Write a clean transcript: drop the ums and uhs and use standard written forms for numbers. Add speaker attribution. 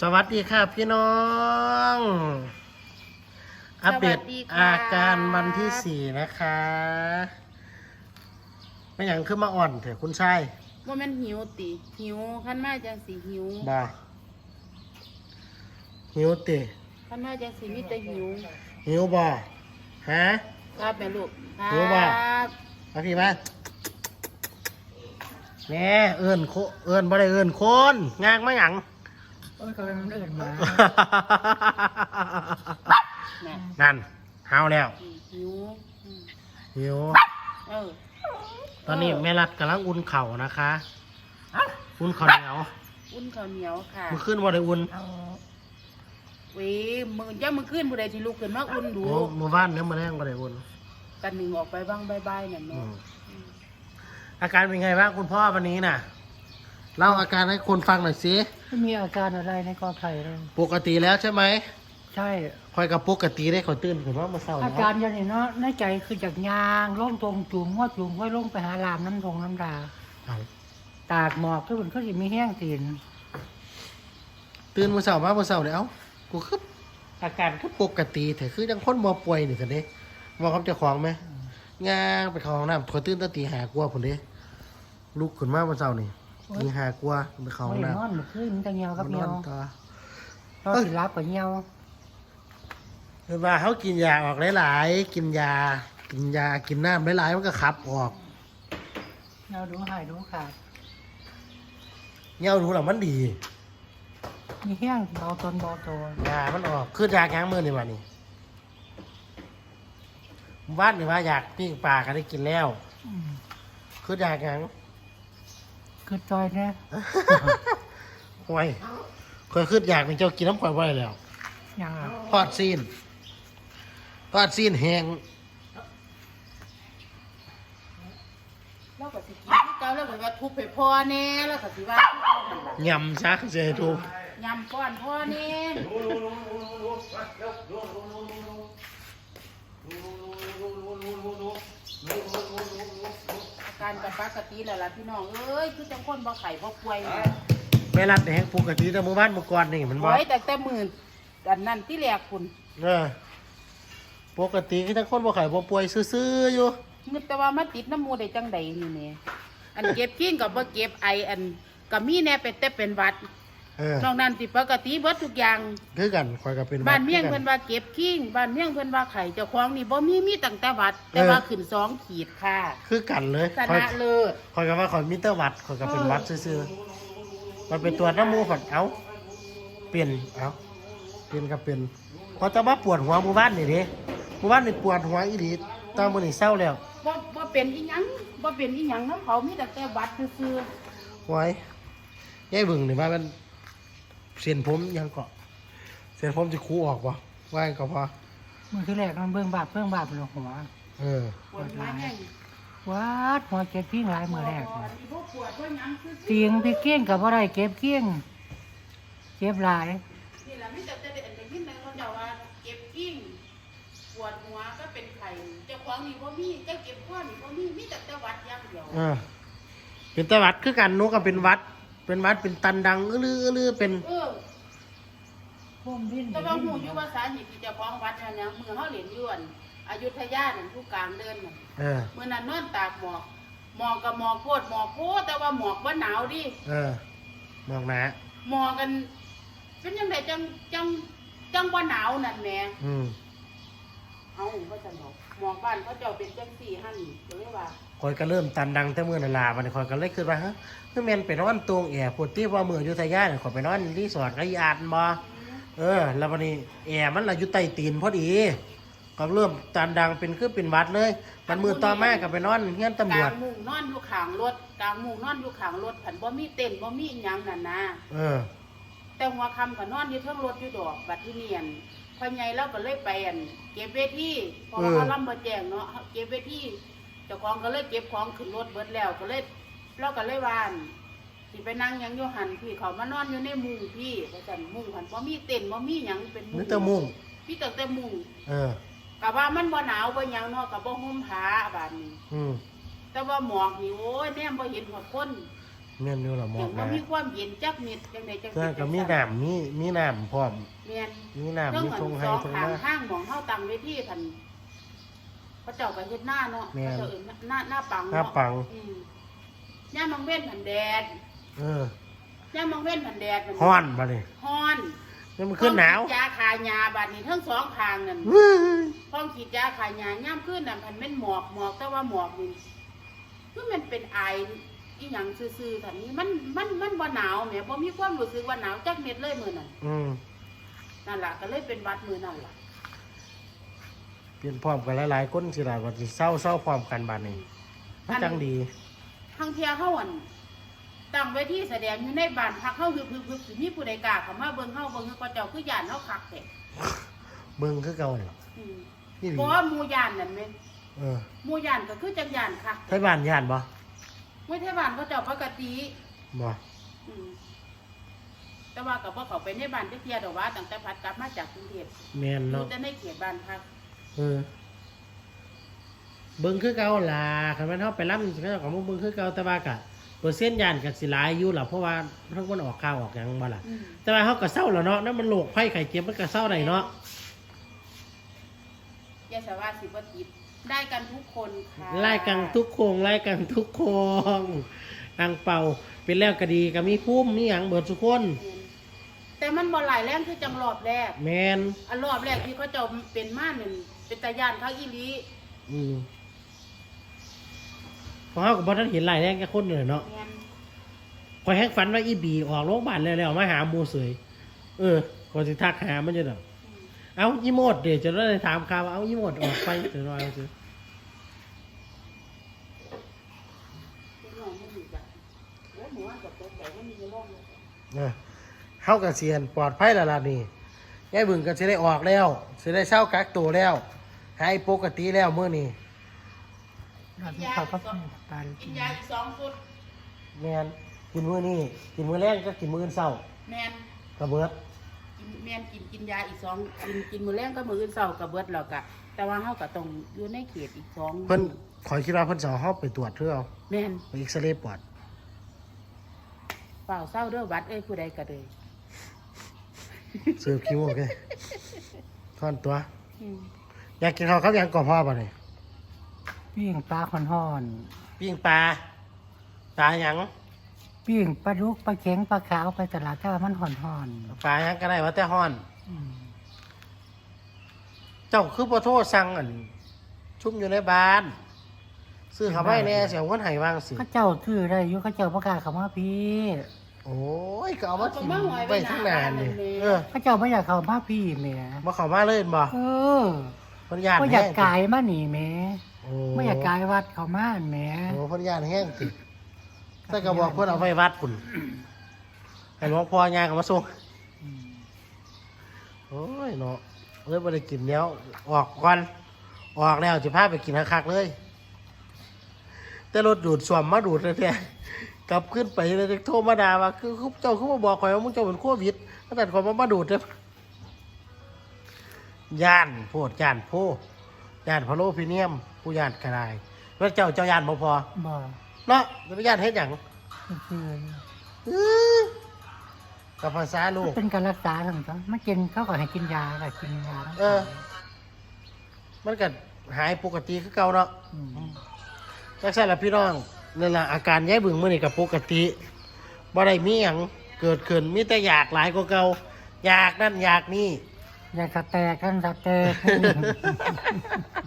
Speaker 1: สวัสดีค่ะพี่น้อง อัปเดตอาการวันที่ 4นะคะไม่อย่างขึ้นมาอ่อนเถอะคุณชาย
Speaker 2: ว่ามันหิวติหิวขั้นมาจังสีหิว
Speaker 1: บ่หิวติ
Speaker 2: ขั้นมาจังสีมีแต่หิว
Speaker 1: หิวบ่ฮะ
Speaker 2: ครับแม่ลูก
Speaker 1: หิวบ่มาพี่มาแม่เอิ้นบ่ได้เอิ้นคนงางมาหยัง
Speaker 3: ก็เลยมันเอินมา
Speaker 1: นั่นหาวแล้ว
Speaker 2: หิว
Speaker 1: หิวตอนนี้แม่รัดกำลังอุ่นเข่านะคะอุ่นข้าวเหนียว
Speaker 2: อุ่นข้าวเหนียวค่ะ
Speaker 1: มือขึ้นบ่ได้อุ่น
Speaker 2: เว้ยมือขึ้นบุได้ที่ลูกขึ้นมาอุ่นดู
Speaker 1: มือบ้านเนื้อมาแรงบ่ได้อุ่น
Speaker 2: กันหนึ่งออกไปบ้างบายๆเนี่ยเนาะ
Speaker 1: อาการเป็นไงบ้างคุณพ่อวันนี้น่ะเล่าอาการให้คนฟังหน่อยสิ
Speaker 3: ไม่มีอาการอะไรในกอไผ่เลย
Speaker 1: ปกติแล้วใช่ไหม
Speaker 3: ใช่
Speaker 1: คอยกับปกติได้ขอตื่นขึ้นว่ามาเศร้า
Speaker 3: อาการอย่างนี้เนาะในใจคือจากยางล่องตรงจุ่มหัวจุ่มห้อยลงไปหาลามน้ำน้ำดาตากหมอกทุกคนก็จะมีแห้งตีน
Speaker 1: ตื่นมาเศร้ามาเศร้าเลยเอ้ากูคืออาการคือปกติแต่คือยังคนบ่ป่วยนี่สิเด้ว่าเขาจะคล้องไหมงางไปเข้าห้องน้ำขอตื่นตั้งตีหากลัวผมเด้ลุกขึ้นมาเศร้านี่ตีหากลัวไปเข้าห้องน้ำ
Speaker 3: นอนขึ้นมันจะเงียวกับเงียวเราสิรับกับเงียว
Speaker 1: คือว่าเขากินยาออกหลายๆกินยากินน้ำหลายๆมันก็ขับออก
Speaker 3: เราดูหายดูขาด
Speaker 1: เงาดูหลังมันดี
Speaker 3: มีแห้งเบาตนเบาตั
Speaker 1: วยามันออกคือยาแข็งมือนี่วันนี้บ้านนี่ว่าอยากปิ้งปลากันได้กินแล้วคือยาแข็ง
Speaker 3: คือจอยเนี่ย
Speaker 1: ไว้เคยคือยากเป็นเจ้ากินน้ำข่อยไว้แล้ว
Speaker 3: ยัง
Speaker 1: ทอดซีนแห้ง
Speaker 2: แล้วก็สิกินที่เก่าแล้วก็ว่าทุบไปพ่อแน่แล้วก็สิว่าย
Speaker 1: ำชักเจทุบ
Speaker 2: ยำก้อนพ่อแน่อาการกับปกติแล้วล่ะพี่น้องเอ้ยคือจังคนบ่ไข่บ่ป่วย
Speaker 1: ไม่รัดแห้งปกติแต่หมู่บ้านเมื่อก่อนนี่มันบ่
Speaker 2: แต่หมื่นอันนั้นที่แรกคุณ
Speaker 1: ปกติคือทั้งคนบ่ไข่บ่ป่วยซื่อๆอยู่
Speaker 2: นึกแต่ว่ามาติดน้ำมูได้จังใดนี่แม่อันเก็บกิ้งกับบ่เก็บไออันก็มีแน่เป็นหวัดนอกนั้นสิปกติเบิดทุกอย่าง
Speaker 1: คือกันข่อยก็เป็น
Speaker 2: บ้านเมี่ยงเพิ่นว่าเก็บกิ้งบ้านเมี่ยงเพิ่นว่าไข่เจ้าของนี่บ่มีตั้งแต่หวัดแต่ว่าขึ้น2 ขีดค่ะ
Speaker 1: คือกันเลย
Speaker 2: ชนะเลิศ
Speaker 1: ข่อยก็ว่าข่อยมีแต่หวัดข่อยก็เป็นหวัดซื่อๆมันเป็นตัวน้ำมูกก่อนเอ้าเปลี่ยนก็เป็นพอจะมาปวดหัวหมู่บ้านนี่เด้หมู่บ้านนี่ปวดหัวอีหลีตอนมื้อนี้เศร้าแล้ว
Speaker 2: บ่เป็นอีหยังบ่เป็นอีหยังนำเขามีแต่หวัดซื่อ
Speaker 1: ๆไว้ยายเบิ่งนี่ว่ามันเส้นผมยังเกาะเส้นผมจะคูออกบ่ว่าก็พอ
Speaker 3: มือที่แรกมันเบื้องบาปเลยหัว
Speaker 2: ปวดหลาย
Speaker 3: วัดหัวเจ็บพิ้งหลายมือแรกเตียงพี่เกี้ยงกับอะไรเก็บเกี้ยงเจ็บหลาย
Speaker 2: นี่แหละไม่จะได้ยินแต่คนเดียวว่าเก็บกิ้งปวดหัวก็เป็นไข่เจ้าของนี่บ่มีเจ้าเก็บข้อนี่บ่มีแต่หวัดอย่างเดียว
Speaker 1: เป็นตะวัดคือกันหนูก็เป็นวัดเป็นตันดังอื้อเป็น
Speaker 2: แต่ว่าหูอยู่ภาษาหิที่เจ้าของวัดเนี่ยมือเขาเหรียญยวนอยุธยาเนี่ยผู้กลางเดินน่ะเมื่อนั้นนอนตากหมอกกับหมอกโพดแต่ว่าหมอกว่าหนาวดิ
Speaker 1: หมอกหนา
Speaker 2: หมอกกันเป็นยังไงจังว่าหนาวนั่นแหม่เอาก็จะหมอกบ้านเขาเจ้าเป็นจังสี่หั่นก็เลยว่า
Speaker 1: คอยก็เริ่มตันดังแต่เมื่อนาลาวันนี้คอยก็เลยคิดว่าฮะคือแม่นไปนอนตรงแอร์ปวดที่ว่าเมืองอยุธยาเนี่ยคอยไปนอนรีสอร์ทก็ยานบ่แล้ววันนี้แอร์มันละอยู่ใต้ตีนพอดีก็เริ่มตันดังเป็นวัดเลยมันมือต่อมากับไปนอนเฮียนตำรวจ
Speaker 2: กลางมุงนอนอยู่ข้างรถผันบ่มีเต็นท์บ่มีหยังนั่นนะแต่หัวค่ำก็นอนอยู่เทิงรถอยู่ดอกบัดที่เนียนพ่อใหญ่เราก็เลยไปเก็บเวทีเพราะว่าเขาลำบ่แจ้งเนาะเก็บเวทีเจ้าของก็เลยเก็บของขึ้นรถเบิดแล้วก็เลยเราก็เลยวานสิไปนั่งยังอยู่หันพี่เขามานอนอยู่ในมุ้งพี่เพราะฉะนั้นมุ้งหันบ่มีเต็นท์บ่มีหยังเป็น
Speaker 1: มุ้งแต่มุ้ง
Speaker 2: พี่แต่มุ้งกะว่ามันบ่หนาวบ่หยังเนาะกะบ่ห่มผ้าบาดนี้แต่ว่าหมอกนี่โอ้ยแม่บ่เห็นหัวคน
Speaker 1: แม่นอยู่ล่ะหมอ
Speaker 2: ถึ
Speaker 1: ก
Speaker 2: ง
Speaker 1: นะ
Speaker 2: ว่ามีความเย็นจักเม็ดจังไดจัง
Speaker 1: เพื่อก็มีน้ำมีน้ำพร้อม
Speaker 2: แม่น
Speaker 1: มีน้ำมีทงให้
Speaker 2: สอง
Speaker 1: ทง
Speaker 2: ข้าง
Speaker 1: นา
Speaker 2: ห้างหมองเฮาตั้งเวทีพันเขาเจ้าก็เฮ็ดหน้าเนาะ
Speaker 1: แม่น
Speaker 2: เขาเจ้าเอิ้นหน้าปัง
Speaker 1: หน้า
Speaker 2: เนาะ
Speaker 1: ปัง
Speaker 2: ย่ามมังเว้นผันแดด
Speaker 1: เออย่
Speaker 2: ามมังเว้นผันแดดมั
Speaker 1: ฮ้อนบ่นี่
Speaker 2: ฮ้อน
Speaker 1: ยังมันขึ้นหนาว
Speaker 2: ต้องฉีดยาคายาบัดนี้ทั้งสองข้างนั่น
Speaker 1: เว้ย
Speaker 2: พ้องฉีดยาขายยาย่ำขึ้นน่ะมันเป็นหมอกแต่ว่าหมอกนี่คือมันเป็นไออีหยังซื่อๆแบบนี้มันบ่หนาวแหมบ่มีความรู้สึกว่าหนาวจักเม็ดเลยมื้อนั้น
Speaker 1: อืม
Speaker 2: นั่นล่ะก็เลยเป็นหวัดมื้อนั่นล่ะ
Speaker 1: เปลี่ยนพร้อมกันหลายๆคนสิล่ะว่าสิเศร้าพร้อมกันบัดนี้มันจังดี
Speaker 2: ทั้งเที่ยเฮาอั่นตั้งเวทีแสดงอยู่ในบ้านพักเฮาฮึบๆๆสิมีผู้ใดกล้าเข้ามาเบิ่งเฮาก็เจ้าคือย่านเฮาคักแท้
Speaker 1: เบิ่งคือเก่านั่นล่ะ
Speaker 2: อืม
Speaker 1: นี่หลี
Speaker 2: เพราะว่าหมู่ย่านนั่นแม่น
Speaker 1: เออ
Speaker 2: หมู่ย่านก็คือจังย่านคัก
Speaker 1: ไทบ้านย่านบ่
Speaker 2: มื้อไทบ้านเขาเจ้าปกติ
Speaker 1: บ่
Speaker 2: อืมแต่ว่ากับว่าเขาไปในบ้านที่เทียดอกว่าตั้งแต่พัดกลับมาจากกรุงเทพ
Speaker 1: แม่น
Speaker 2: อยู่
Speaker 1: เนาะ
Speaker 2: แต่ในเขตบ้านพัก
Speaker 1: เออเบิ่งคือเก่าล่ะคันแม่นเฮาไปรำสิเขาเจ้าก็มาเบิ่งคือเก่าแต่ว่าก็เปอร์เซ็นต์ย่านก็สิหลายอยู่ล่ะเพราะว่าทั้งคนออกข่าวออกหยังบ่ล่ะ แต่ว่าเขาก็เศร้าแล้วเนาะนั่นมันโรคภัยไข้เจ็บมันก็เศร้าได้เนาะ
Speaker 2: ยาสาวาสิบวัติดได้กันทุกคนค่ะ
Speaker 1: ไล่กันทุกโครงไล่กันทุกโครงอังเป่าเป็นแล้วก็ดีก็มีภูมิมีหยังเบิดทุกคน
Speaker 2: แต่มันบ่หลายแรงคือจังรอบแรก
Speaker 1: แมน
Speaker 2: อันรอบแรกที่เขาเจะเป็นมาหนึ่งเป็นตาย่านข้างอีหลี
Speaker 1: อืมเพราะเขาก็บ่ทันเห็นหลายแรงแค่คนเลยเนาะ
Speaker 2: แม่น
Speaker 1: คอยแฮกฝันว่าอีบีออกโรงพยาบาลแล้วมาหาหมูเสยก่อนสิทักหามันจะดอก
Speaker 2: อืม
Speaker 1: เอายี่โมดเดี๋ยวจะได้ถามข่าวว่าเอายี่โมดออกไปเดี๋ยวรอเอาสิ
Speaker 2: เป็นน้องมันอยู่จ้ะโอ้หมูว่ากับตัวใหญ่มันมีในโลกเลย
Speaker 1: เฮากับเซียนปลอดภัยแล้วล่ะนี่ยายบึงก็สิได้ออกแล้วสิได้เช่ากักตัวแล้วหายปกติแล้วมื้อนี้
Speaker 3: เราที่เขาก็ปาน
Speaker 2: กินยาอีก2 ชุด
Speaker 1: แมนกินมื้อนี้กินมื้อแรกก็กินมื้อเช้า
Speaker 2: แม่น
Speaker 1: กระเบิด
Speaker 2: กินแม่นกินยาอีก2กินมื้อแรงก็มื้ออื่นเช้าก็เบิดแล้วก็แต่ว่าเฮาก็ต้องอยู่ในเขตอีก2
Speaker 1: เพิ่นขอยคิดว่าเพิ่นสิเอาเฮาไปตรวจเพื่อเอา
Speaker 2: แม่น
Speaker 1: ไปเอ็กซเรย์ปอด
Speaker 2: เปล่าเศร้าเด้อวัดผู้ใดก็เลย
Speaker 1: เสิร์ฟคิวโอเคท่อนตัว อยากกินข้าวครับยังก่อพ่อบ่นี่
Speaker 3: ปิ้งปลาคอนห่อน
Speaker 1: ปิ้งปลาปลาหยัง
Speaker 3: ปิ้งปลาดุกปลาเข็งปลาขาวไปตลาดถ้ามันห่อนห่อน
Speaker 1: ปลาหยังก็ได้ว่าแต่ฮ้อน
Speaker 3: อืม
Speaker 1: เจ้าคือบ่โทรสั่งอันชุ่มอยู่ในบ้าน ซื้อเข้าไปแน่สิเอาเงินให้วางสิ
Speaker 3: เขาเจ้าซื้อได้อยู่เขาเจ้าประกล้าศเขามาพี่
Speaker 1: โอ้ยก็เอามาทิ้งไว้ทั้งนานนี่
Speaker 3: เขาเจ้าไม่อยากเขามาพี่แหม่
Speaker 1: บ่เข้ามาเลยบ่
Speaker 3: เออ
Speaker 1: เพิ่นย่าน
Speaker 3: ไม่อ
Speaker 1: แห้
Speaker 3: ยาก
Speaker 1: ง
Speaker 3: กายมาหนีแหม่
Speaker 1: โอ้
Speaker 3: ไม่อยากกายวัดเขามาแหม่
Speaker 1: โอ้เพิ่นย่านแห้งสิแต่ก็บอกเพิ่นเอาไว้วัดพุ่นให้หลวงพ่อย่างเอามาส่ง
Speaker 3: อืม
Speaker 1: โอ้ยเนาะเลยบ่ได้กินแล้วออกก่อนออกแล้วสิพาไปกินคักๆเลย แต่รถดูดซ่วมมาดูดแท้ๆกลับขึ้นไปเลยโทรมาด่าว่าคือเจ้าคือมาบอกข่อยว่ามึงเจ้าเป็นโควิดตั้งแต่ข่อยมาดูดเด้อย่านโพดย่านโพย่านพะโลพิเนียม ผู้ย่านกระไดว่าเจ้าย่านบ่พอ
Speaker 3: บ่
Speaker 1: เนาะจะไปย่านเฮ็ดหยัง
Speaker 3: คือ
Speaker 1: อื้อกับภาษาลูก
Speaker 3: เป็นการรักษาทั้งนั้นมันกินเขาก็ให้กินยาก็กินยา
Speaker 1: เออ มันก็หายปกติคือเก่าเนาะ
Speaker 3: ม
Speaker 1: จักซั่นล่ะพี่น้องนั่นล่ะอาการยายบึงมื้อนี้ก็ปกติบ่ได้มีหยังเกิดขึ้นมีแต่อยากหลายกว่าเก่าอยากนั่นอยากนี่
Speaker 3: อยากสแตกกันสแตก